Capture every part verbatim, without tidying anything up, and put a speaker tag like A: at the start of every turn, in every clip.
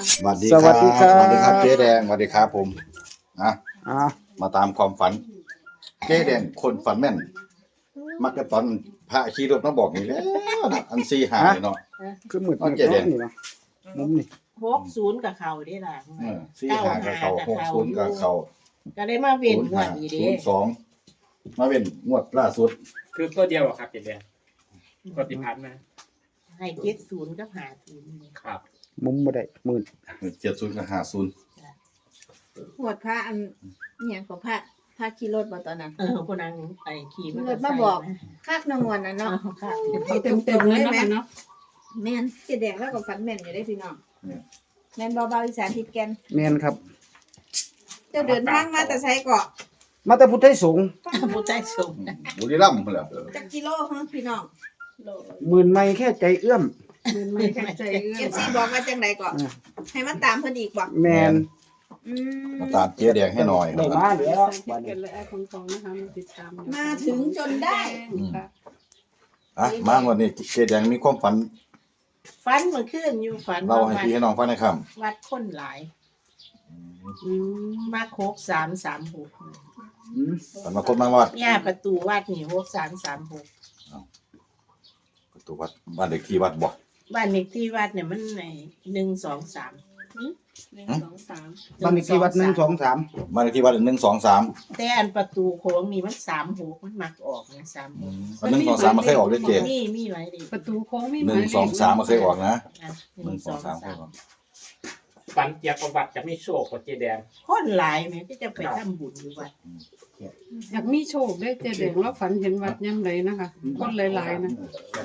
A: สวัสดี
B: ส
A: ค
B: วั
A: รั
B: ส
A: บ
B: ดีครับ
A: สวัสดีครับเจ๊แดงสวัสดีครับผมนะ
B: อ่า
A: มาตามความฝันเจ๊แดงคนฝันแม่น มักจะตอนพระขี่รถมาบอกนี่แหล้วนะอันซีหายเนาะ
B: คือหมึด
A: เอา
B: หมึด
A: เจ๊แด
B: เนาะ
A: ง
B: นี่เนาะมุมนี่
C: หกศูนย์กับเขาได้ล่ะ
A: เออซีหากับเขาหกศูนย์กับเขา
C: ก็ได้มาเว้น
A: ศูนย์
C: งว
A: ห้า
C: ดนี้
A: ศู
C: เด้
A: นย์สองมาเป็นงวดล่าสุด
D: คือตัวเดียวอะครับเจ็ดเดือนกดติพันมา
C: ให้เจ็ดศูนย์กับหาศูนย์นี่
D: ครับ
B: มุมบ่ได้หมื่น
A: เจ็ดศูนย์กับห้าศูนย์
E: หวดพระอันอหย่างของพระพระขี่รถบ่ตอนนั้น
C: เออคนนั้นไอ้ขี่มอ
E: เกิ
C: ตอ
E: ด
C: ร์ไซ
E: มา
C: ค์
E: บอก
C: นะ
E: คากนางวนน่ะ
C: เนาะ
E: เนาะ
C: ค่ะ
E: เอาเต็มเต็มๆเลยแม่เนาะแม่นเจ๊แดงแล้วก็ฝันแม่นอยู่ได้พี่น้องแม่นเบาๆอีสานทิศแกน
B: แม่นครับ
E: เจ้าเดินทางมาแต่ไสเกาะ
B: มาแต่พุทธไทยสงฆ์
C: ผู้ใจสูง
A: บุรีรัมย์พุ่นแหละ
E: จักกิโลฮะพี่น้อง
B: หมื่นไม่แค่ใจเอื้อม
E: เอฟซีบอกว่าจังไดเกาะให้มันตามเพิ่นอีกบ่
B: แม่น
E: อืม
A: มาตามเจ๊แดงให้หน่อย
B: ได้มาแล้วบัดนี้
E: มาถึงจนได้
A: อ่ะมางวันนี้เจ๊แดงมีความฝัน
C: ฟันมันขึ้นอยู่ฝัน
A: เล่า
C: ว่า
A: ให้
C: วัด
A: พี่ให้น้องฟังหน่อยครับ
C: วัดคนหลายมาโคกสามสามหก
B: อืม
A: ฝันมาคนมาวัด
C: ย่าประตูวัดนี่หกสามสามหก
A: ประตูวัดบ้านเด็กที่วัดบ่
C: บ้านเลขที่วัดเนี่ยมันในหนึ่งสองสาม
E: หนึ่งสองสาม
B: บ้านเลขที่วัดหนึ่งสองสาม
A: บ้านเด็กที่วัดหนึ่งสองสาม
C: แต่อันประตูโค้งนี่มันสามหกมันมักออกนะสามหก
A: หนึ่งสองสามมันเคยออกด้วยเจ๊
C: มีมีไว้ดิ
F: ประตูโค้งไม่
A: หนึ่งสองสามมันเคยออกนะ
C: อ่ะ
A: หนึ่งสองสามเคยออก
D: ฟันเกียร์ประวัติจะไม่โชคกับเจแดง
C: คนหลายแม่ที่จะไปทำบุญอยู่วัด
F: อยากมีโชคได้เจเด็กแล้วฝันเห็นวัดย่ำไรนะคะคนหลายๆนะ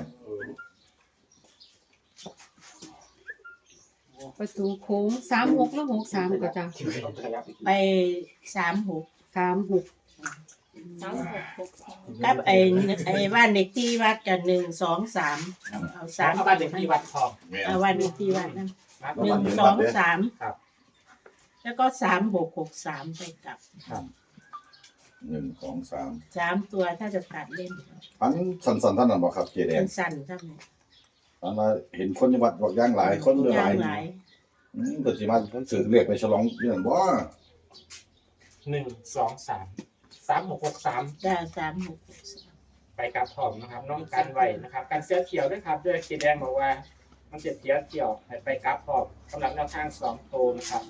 F: ประตูโค้งสามหกแล้วหกสามก็จะ
C: ไปสามหก
F: สามหก
E: สามหกหกสอง
C: กับไอ้ไอ้บ้านเด็กที่วัดกันหนึ่งสองสามเอาสาม
D: เอาบ้านเด็กที่วัดทอง
C: เอาบ้านเด็กที่วัดนั่น
D: ครับ
C: หนึ่งสองสาม
D: ครับ
C: แล้วก็สามหกหกสามไปกลับ
A: หนึ่งสองสาม
C: สามตัวถ้าจะตัดเล่น
A: ฝันสันสันๆท่านนั้นบอกครับเจแดง
C: สั้นๆเท่านั้น
A: ฝันว่าเห็นคนในวัดบอกย่างหลายคนเรือหลาย
C: หลาย
A: อืมเปิดสิมาถือเรียกไปฉลองเรื่องบ่
D: หนึ่งสองสามสามหกหกสาม
C: จ้าสามหกหกสาม
D: ไปกับทองนะครับน้องกันไว้นะครับการเสื้อเขียวด้วยครับด้วยเจแดงบอกว่า มันเจ็บเขียวเกี่ยวให้ไปกับทองสำหรับแนวทางสองโตวนะครับ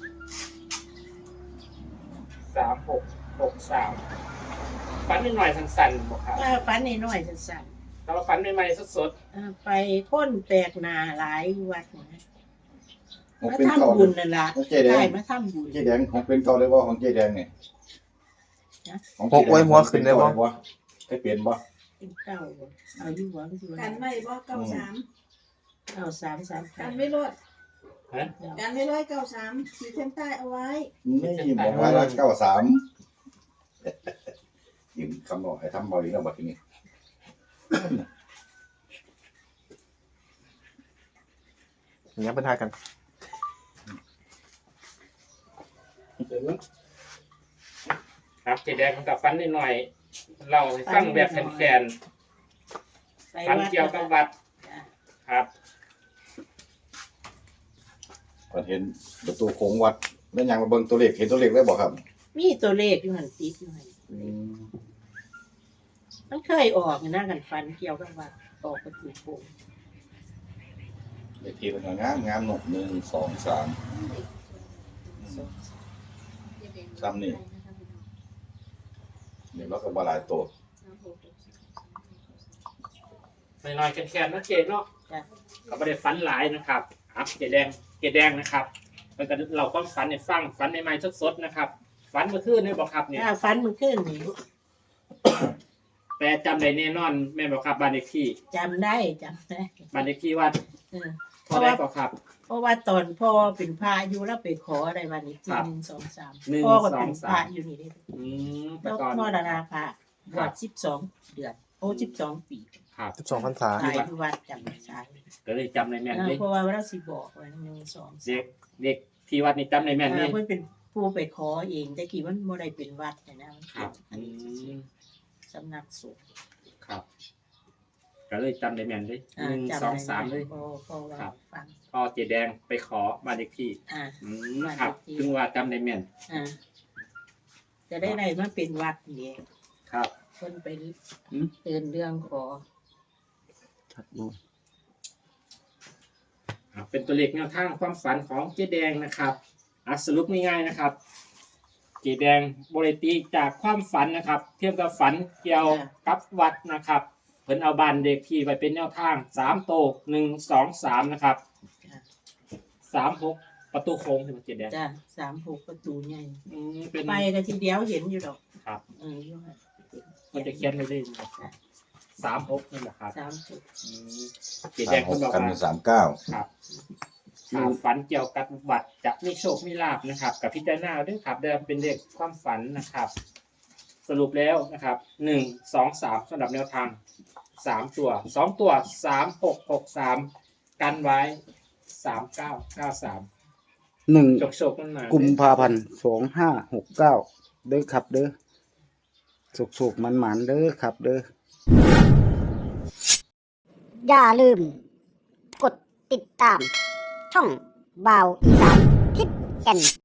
D: สามหกหกสามฟันนิดหน่อยสั้นๆบอกครับ
C: ถ้าฝันน้อยๆสั้น
D: แต่ว่าฟันใหม่ๆสด
C: ๆอ่าไปค้นแปลกหนาหลายวัดนะ
A: ของ
C: มา
A: เป็นเก่า
C: ทำบุญนั่นล่ะ
A: ของเจแด
C: ใช่
A: ง
C: มาทำบุญ
A: เจแดงของเป็นเก่าเลยว่าของเจแดงเนี่ยของ
G: พกไว้หัวขึ้นได้บ่
A: ให้เปลี่ยนบ่
C: เป็นเก้าบ่เอาอยู่หวังอยู่
E: กันไว้บ่เก้าสาม
C: เก้าสามสาม
E: กันไม่รอด
D: ๆฮะ
E: กันไม่ร้อยเก้าสามขีดเส้นใต้เอาไว้
A: นี่บอกว่าละเก้าสามยิงคำบอกให้ทำบ่อยแล้วบัดนี้
G: อย่างเงี้ยเป็นทายกัน
D: ครับเจแดงกับฟันนิดหน่อยๆเราให้ฟังแบบแขน
C: ไป
D: ๆฟัน
C: วัด
D: เกี่ยวกับวัด
C: จ้ะ
D: ครับ
A: พอเห็นประตูโค้งวัดแล้วยังมาเบิ่งตัวเลขเห็นตัวเลขได้บ่ครับ
C: มีตัวเลขอยู่หันติดอยู่หันมันเคยออกนะกันฟันเกี่ยวกับวัดออกประตูโป่ง
A: เลขที่มันก็งามงามหนกหนึ่งสองสามซ้ำนี่เดี๋ยวเราก็บาลายตัว
D: น้อยๆแขนๆนะเจเนาะ
C: จ้ะ
D: ก็ไม่ได้ฟันหลายนะครับครับเจแดงเจแดงนะครับแล้วก็เราก็ฟันในฟังฟันในไม้สดๆนะครับฟันเมื่อคืนนี่บอกครับเนี่ย
C: ถ้าฟันมันขึ้นนี่
D: แต่จำได้แน่นอนแม่บอกครับบ้านเลขที่
C: จำได้จำได้
D: บ้านเลขที่วัด
C: เออ
D: เท่าไหรก็ครับ
C: เพราะว่าตอนพ่อเป็นพระอยู่แล้วไปขออะไรวันนี้ที่
D: ครับ
C: หนึ่งสองสาม
D: หนึ่ง
C: พ่อก็เป็น
D: สองสาม
C: พระอยู่นี่เด้
D: อืมแต่
C: แล้ว
D: ก่อน
C: พ่อดาราพระบ
D: ครั
C: ว
D: บ
C: ชสิบสองเดือนโอ้สิบสองปี
D: ครับ
G: สิบสองพรรษา
C: ตายที่วัดจำไม่ใช่
D: ก็เลยจำในแม่น
C: เออ
D: เลย
C: เพราะว่าเราสิบอกไว้หนึ่งสองสา
D: เด็
C: ม
D: กเด็กที่วัดนี่จำในแม่น
C: เอ
D: นี่
C: อเพิ่นเป็นผู้ไปขอเองแต่กี่มันบ่ได้เป็นวัดนะนะมัน
D: ครับ
C: เป็น
D: อืม
C: สำนักสงฆ์
D: ครับก็เลยจำได้แม่นเลย
C: อ่า
D: หนึ่ง
C: จำ
D: สอง
C: ได้
D: สามเลย
C: พอพอว่า
D: ครับ
C: ฟัง
D: พอเจแดงไปขอบ้านเลขที่
C: อ่า
D: อืมครับถึงว่าจำได้แม่น
C: อ่าจะได้ไรมาเป็นวัดนี่
D: ครับ
C: คนไปเตือนเรื่องขอ
D: อ่าเป็นตัวเลขแนวทางความฝันของเจแดงนะครับอ่ะสรุปง่ายๆนะครับ เจแดงบริตีจากความฝันนะครับ เทียบกับฝันเกี่ยวกับวัดนะครับเพิ่นเอาบ้านเด็กที่ไปเป็นแนวทางสามโตกหนึ่งสองสามนะครับสามหกประตูโค้งใช่ไหมเจแดง
C: จ้ะสามหกประตูใหญ่
D: อืมเป็น
C: ไปกันทีเดียวเห็นอยู่ดอก
D: ครับ
C: เอออยู่ค่ะ
D: มันจะเขียนไว้เลยนะครับสามหกนี่แหละครับ
C: สามหก
D: อืมเจ
A: สา
D: แด
A: ม
D: ง
A: ห
D: เพิ่
A: ก
D: นบอก
A: กัน
D: ว่า
A: เป็นสามเก้า
D: ครับอ่าฝันเกี่ยวกับวัดจะมีโชคมีลาบนะครับ กับพิจารณาด้วยครับเดิมเป็นเลขความฝันนะครับ สรุปแล้วนะครับหนึ่งสองสามสำหรับแนวทางสามตัวสองตัวสามหกหกสามกันไว้สามเก้าเก้าสาม
B: หนึ่ง
D: จกโชคมันมา
B: กุมภาพันธ์สองห้าหกเก้าเด้อครับเด้อสุกๆมันหมันๆเด้อครับเด้อ
H: อย่าลืม กดติดตาม ช่องบ่าวอีสานทิศแก่น